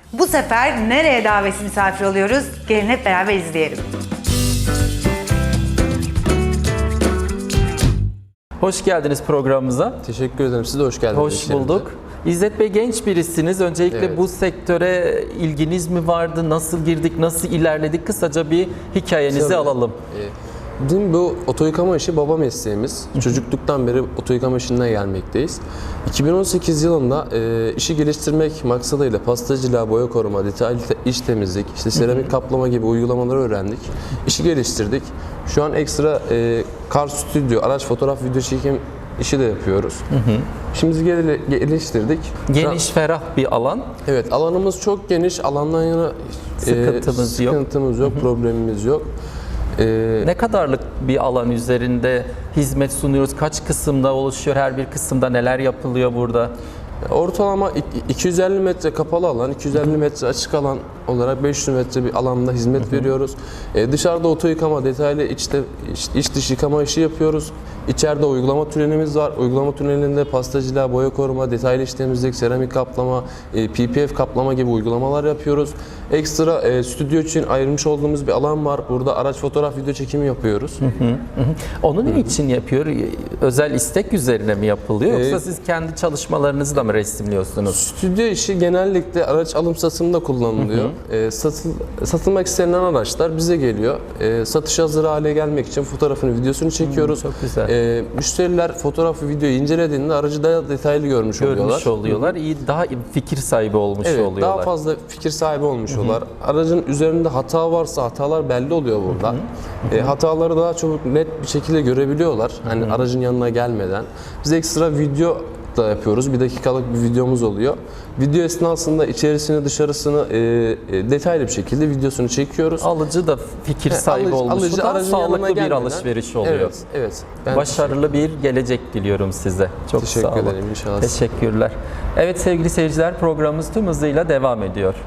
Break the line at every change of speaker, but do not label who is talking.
Bu sefer nereye davetsiz misafir oluyoruz? Gelin hep beraber izleyelim.
Hoş geldiniz programımıza.
Teşekkür ederim. Siz de hoş geldiniz.
Hoş bulduk. İzzet Bey genç birisiniz. Öncelikle
Evet.
bu sektöre ilginiz mi vardı? Nasıl girdik? Nasıl ilerledik? Kısaca bir hikayenizi
Tabii.
alalım.
Bizim bu oto yıkama işi baba mesleğimiz. Çocukluktan beri oto yıkama işinden gelmekteyiz. 2018 yılında işi geliştirmek maksadıyla pastacılığa, boya koruma, detaylı iç temizlik, işte seramik kaplama gibi uygulamaları öğrendik. İşi geliştirdik. Şu an ekstra kar stüdyo, araç fotoğraf, video çekim işi de yapıyoruz. İşimizi geliştirdik.
Geniş, ferah bir alan.
Evet, alanımız çok geniş. Alandan yana
Sıkıntımız yok.
problemimiz yok.
Ne kadarlık bir alan üzerinde hizmet sunuyoruz? Kaç kısımda oluşuyor? Her bir kısımda neler yapılıyor burada?
Ortalama 250 metre kapalı alan, 250 metre açık alan olarak 500 metre bir alanda hizmet veriyoruz. Dışarıda oto yıkama, detaylı iç dış yıkama işi yapıyoruz. İçeride uygulama tünelimiz var. Uygulama tünelinde pastacılığa, boya koruma, detaylı iç temizlik, seramik kaplama, PPF kaplama gibi uygulamalar yapıyoruz. Ekstra stüdyo için ayrılmış olduğumuz bir alan var. Burada araç fotoğraf, video çekimi yapıyoruz.
Onu ne için yapıyor? Özel istek üzerine mi yapılıyor? Yoksa siz kendi çalışmalarınızı da mı resimliyorsunuz?
Stüdyo işi genellikle araç alım satımında kullanılıyor. Satılmak istenilen araçlar bize geliyor. Satış hazır hale gelmek için fotoğrafını, videosunu çekiyoruz.
Çok güzel.
Müşteriler fotoğrafı, videoyu incelediğinde aracı daha detaylı görmüş oluyorlar.
İyi, daha fikir sahibi olmuş
Evet,
oluyorlar.
daha fazla fikir sahibi olmuş oluyorlar. Aracın üzerinde hata varsa hatalar belli oluyor burada. Hataları daha çabuk net bir şekilde görebiliyorlar. Hani aracın yanına gelmeden. Biz ekstra video da yapıyoruz. 1 dakikalık bir videomuz oluyor. Video esnasında içerisini, dışarısını detaylı bir şekilde videosunu çekiyoruz.
Alıcı da fikir sahibi olmuş. Daha
aracın yanına
sağlıklı bir
gelmeden-
alışveriş oluyor.
Evet. Ben
Başarılı bir gelecek diliyorum size. Çok
Teşekkür
sağ olun.
ederim, inşallah.
Teşekkürler. Evet sevgili seyirciler, programımız tüm hızıyla devam ediyor.